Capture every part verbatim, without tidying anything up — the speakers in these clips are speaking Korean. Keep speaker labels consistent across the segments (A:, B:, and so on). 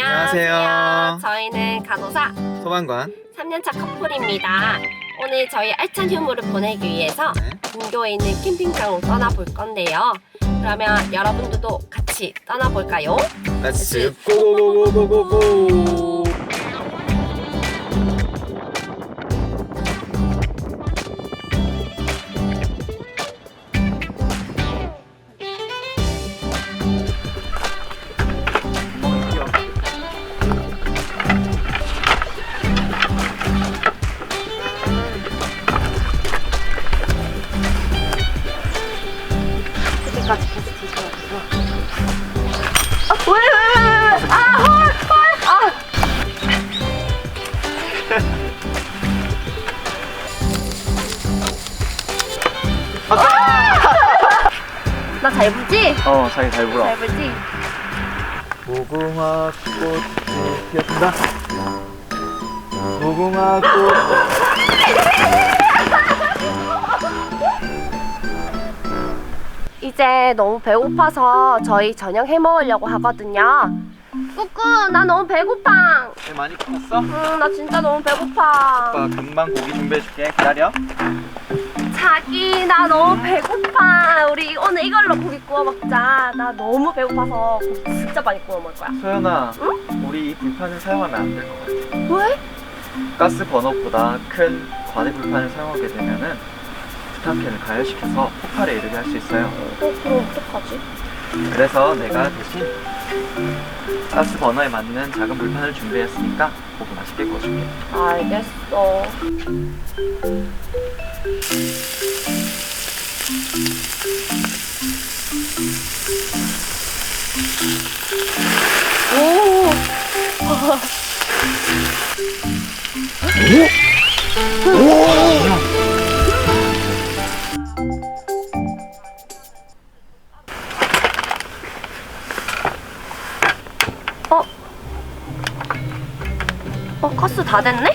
A: 안녕하세요.
B: 안녕하세요. 저희는 간호사
A: 소방관.
B: 삼 년차 커플입니다. 오늘 저희 알찬 휴무를 보내기 위해서
A: 네.
B: 근교에 있는 캠핑장으로 떠나볼 건데요. 그러면 여러분들도 같이 떠나볼까요?
A: 렛츠 고고고고고고.
B: 그때까지 계속 드셔가지고. 아, 왜, 왜, 왜, 왜, 왜? 아, 헐, 헐, 아. 나 잘 불지?
A: 어, 자기 잘 불어.
B: 잘 불지?
A: 무궁화 꽃이 피었다. 무궁화 꽃.
B: 이제 너무 배고파서 저희 저녁 해 먹으려고 하거든요. 꾸꾸, 나 너무 배고파.
A: 배 많이 컸어?
B: 응, 나 진짜 너무 배고파.
A: 오빠 금방 고기 준비해줄게. 기다려.
B: 자기, 나 너무 배고파. 우리 오늘 이걸로 고기 구워 먹자. 나 너무 배고파서 고기 진짜 많이 구워 먹을 거야.
A: 소연아, 우리 이 불판을 사용하면 안 될 것 같아.
B: 왜?
A: 가스 버너보다 큰 과대 불판을 사용하게 되면은 부탄캔을 가열시켜서 폭발에 이르게 할 수 있어요.
B: 어, 그럼 어떡하지?
A: 그래서 내가 대신 가스 버너에 맞는 작은 불판을 준비했으니까 고기 맛있게 구워줄게.
B: 알겠어. 오! 어? 어, 가스 다 됐네?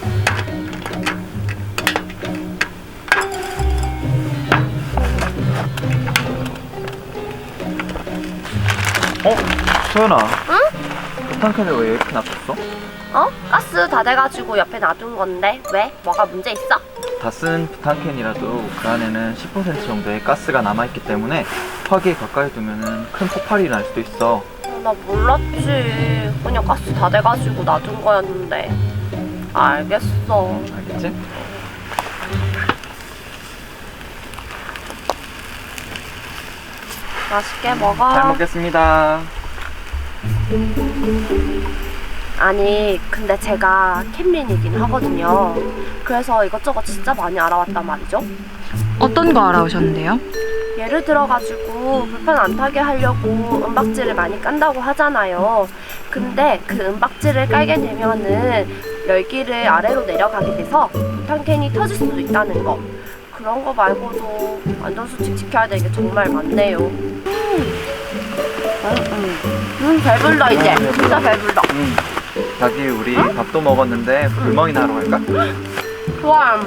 A: 어? 소연아,
B: 응?
A: 부탄캔을 왜 이렇게 놔뒀어?
B: 어? 가스 다 돼가지고 옆에 놔둔 건데 왜? 뭐가 문제 있어?
A: 다 쓴 부탄캔이라도 그 안에는 십 퍼센트 정도의 가스가 남아있기 때문에 화기에 가까이 두면 큰 폭발이 날 수도 있어.
B: 어, 나 몰랐지. 그냥 가스 다 돼가지고 놔둔 거였는데. 알겠어.
A: 알겠지?
B: 맛있게 먹어.
A: 잘 먹겠습니다.
B: 아니, 근데 제가 캠린이긴 하거든요. 그래서 이것저것 진짜 많이 알아왔단 말이죠.
C: 어떤 거 알아오셨는데요?
B: 예를 들어가지고 불판 안 타게 하려고 은박지를 많이 깐다고 하잖아요. 근데 그 은박지를 깔게 되면은 열기를 아래로 내려가게 돼서 부탄캔이 터질 수도 있다는 거. 그런 거 말고도 안전수칙 지켜야 될 게 정말 많네요. 음, 음, 음, 배불러 이제. 진짜 배불러.
A: 응. 자기 우리 밥도 먹었는데 불멍이나 하러 갈까?
B: 좋아.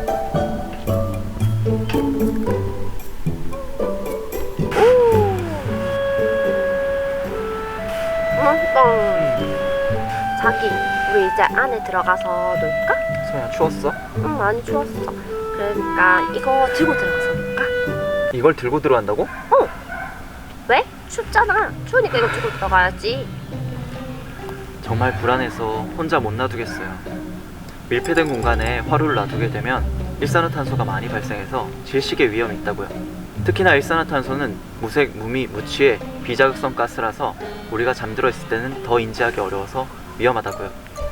B: 맛있다. 자기, 우리 이제 안에 들어가서 놀까?
A: 소연아, 추웠어?
B: 응, 많이 추웠어. 그러니까 이거 들고 들어가서 놀까?
A: 이걸 들고 들어간다고?
B: 어. 왜? 춥잖아. 추우니까 이거 들고 들어가야지.
A: 정말 불안해서 혼자 못 놔두겠어요. 밀폐된 공간에 화로를 놔두게 되면 일산화탄소가 많이 발생해서 질식의 위험이 있다고요. 특히나 일산화탄소는 무색, 무미, 무취의 비자극성 가스라서 우리가 잠들어 있을 때는 더 인지하기 어려워서 위험하다고요.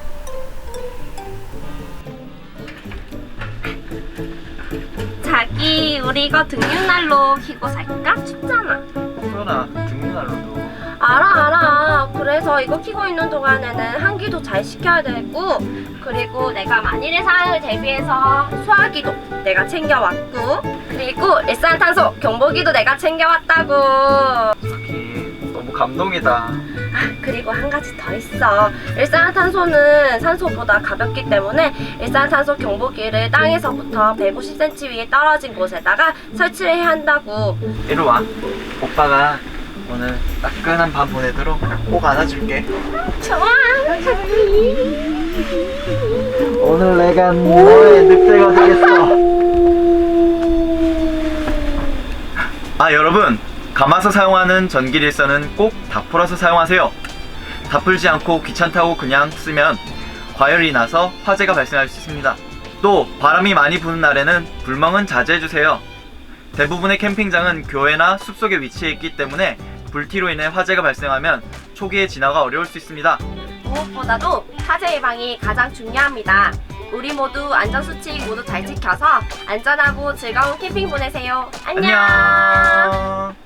B: 자기, 우리 이거 등유난로 켜고 살까? 춥잖아.
A: 소연아, 등유난로도
B: 알아 알아. 그래서 이거 켜고 있는 동안에는 환기도 잘 시켜야 되고, 그리고 내가 만일의 상황을 대비해서 소화기도 내가 챙겨왔고, 그리고 일산탄소 경보기도 내가 챙겨왔다고.
A: 자기 너무 감동이다.
B: 그리고 한 가지 더 있어. 일산화탄소는 산소보다 가볍기 때문에 일산탄소 경보기를 땅에서부터 백오십 센티미터 위에 떨어진 곳에다가 설치를 해야 한다고.
A: 이리 와. 오빠가 오늘 따끈한 밤 보내도록 꼭 안아줄게.
B: 좋아.
A: 오늘 내가 너의 늑대가 되겠어. 아, 여러분, 감아서 사용하는 전기릴선은 꼭 다 풀어서 사용하세요. 다 풀지 않고 귀찮다고 그냥 쓰면 과열이 나서 화재가 발생할 수 있습니다. 또 바람이 많이 부는 날에는 불멍은 자제해주세요. 대부분의 캠핑장은 교회나 숲속에 위치해 있기 때문에 불티로 인해 화재가 발생하면 초기에 진화가 어려울 수 있습니다.
B: 무엇보다도 화재 예방이 가장 중요합니다. 우리 모두 안전수칙 모두 잘 지켜서 안전하고 즐거운 캠핑 보내세요. 안녕.
A: 안녕.